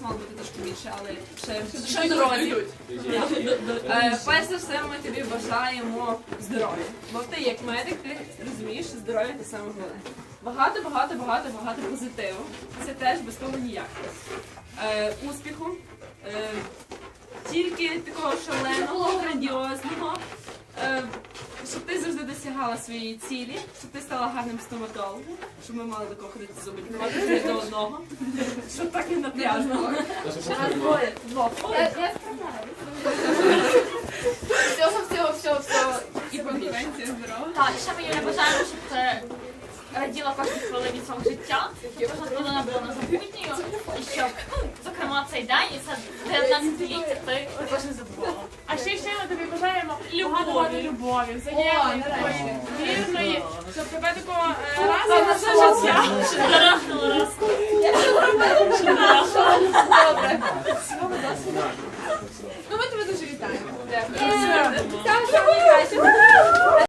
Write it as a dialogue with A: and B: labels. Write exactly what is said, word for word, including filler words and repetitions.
A: мало бути трошки більше, але ще, ще дорозі. Е, перш за все ми тобі бажаємо здоров'я. Бо ти як медик, ти розумієш, що здоров'я це саме головне. Багато, багато, багато, багато позитиву. Це теж без того ніяк. Е, успіху. Е, тільки такого шаленого, грандіозного. Е, щоб ти завжди досягала своєї цілі, щоб ти стала гарним стоматологом, щоб ми мали до кого ходити зуби лікувати до одного, щоб так не напряжно. Раз, двоє, двох.
B: Я справляю. Всього, всього, всього, всього.
A: І конкуренція здорова.
B: Так, і ще ми Юля бажаємо, щоб ти раділа кожній хвилині свого життя, щоб кожна хвилина була незабутньою, і щоб, зокрема, цей день і це дев'ятнадцятиліття ти також не забувала.
C: А ще ще ми тобі бажаємо багато любові, взаємної, такої вірної, щоб тебе такого е, разу на все життя.
B: Дарахнула раз.
C: Ну ми тебе дуже вітаємо.
A: Дякую.